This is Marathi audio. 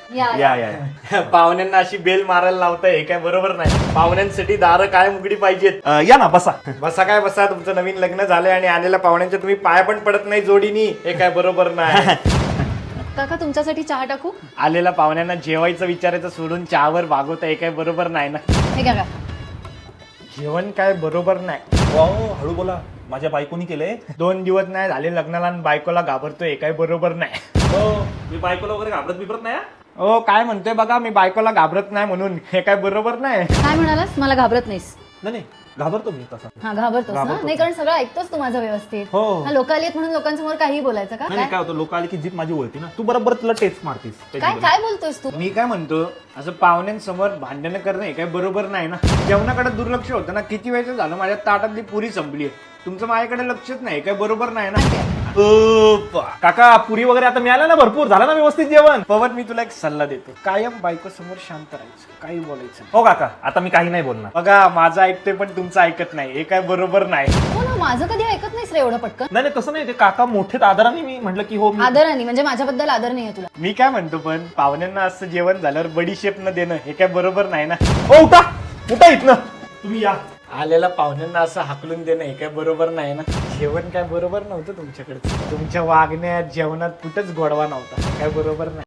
या पाहुण्यांना अशी बेल मारायला लावताय हे काय बरोबर नाही. पाहुण्यांसाठी दारं काय उघडी पाहिजेत. या ना बसा. बसा काय बसा, तुमचं नवीन लग्न झालंय आणि आलेल्या पाहुण्यांच्या तुम्ही पाय पण पडत नाही जोडीनी, हे काय बरोबर नाही. काका तुमच्यासाठी चहा टाकू? आलेल्या पाहुण्यांना जेवायचं विचारायचं सोडून चहावर भागवता हे काय बरोबर नाही ना. हे काका जेवण काय बरोबर नाही. हळू बोला, माझ्या बायकोनी केलंय. 2 दिवस नाही झाले लग्नाला आणि बायकोला घाबरतोय हे काय बरोबर नाही. मी बायकोला वगैरे घाबरत बिबरत नाही. हो काय म्हणतोय बघा, मी बायकोला घाबरत नाही म्हणून, हे काय बरोबर नाही. काय म्हणालास? मला घाबरत नाहीस? नाही घाबरतो मी तसा. हा घाबरतोस ना? नाही कारण सगळं ऐकतोस तू माझं व्यवस्थित. हो. हा, लोक आली आहेत म्हणून लोकांसमोर काही बोलायचं का? नाही काय होतं, लोक आले की जीप माझी ओळखी ना, तू बरोबर तुला टेस्ट मारतीस. काय काय बोलतोयस तू? मी काय म्हणतो, असं पाहुण्यांसमोर भांडण करणं हे काय बरोबर नाही ना. जेवणाकडे दुर्लक्ष होतं ना. किती वेळचं झालं माझ्या ताटातली पुरी संपली आहे, तुमचं माझ्याकडे लक्षच नाही, काय बरोबर नाही ना. काका पुरी वगैरे आता मिळाल्या ना, भरपूर झालं ना व्यवस्थित जेवण. पवन मी तुला एक सल्ला देतो, कायम बायको समोर शांत राहायचं, काही बोलायचं नाही. हो काका, आता मी काही नाही बोलणार. बघा माझं ऐकतोय पण तुमचं ऐकत नाही, हे काय बरोबर नाही. हो ना, माझं कधी ऐकत नाहीस रे एवढं पटकन. नाही तसं नाही, ते काका मोठे आदराने मी म्हटलं की हो. आदराने म्हणजे माझ्याबद्दल आदर नाहीये तुला? मी काय म्हणतो, पण पाहुण्यांना असं जेवण झाल्यावर बडीशेप न देणं हे काय बरोबर नाही ना. ओ उठा उठा इथनं, तुम्ही या. आलेल्या पाहुण्यांना असं हाकलून देणं हे काय बरोबर नाही ना. जेवण काय बरोबर नव्हतं तुमच्याकडे, तुमच्या वागण्यात जेवणात कुठंच गोडवा नव्हता, काय बरोबर नाही.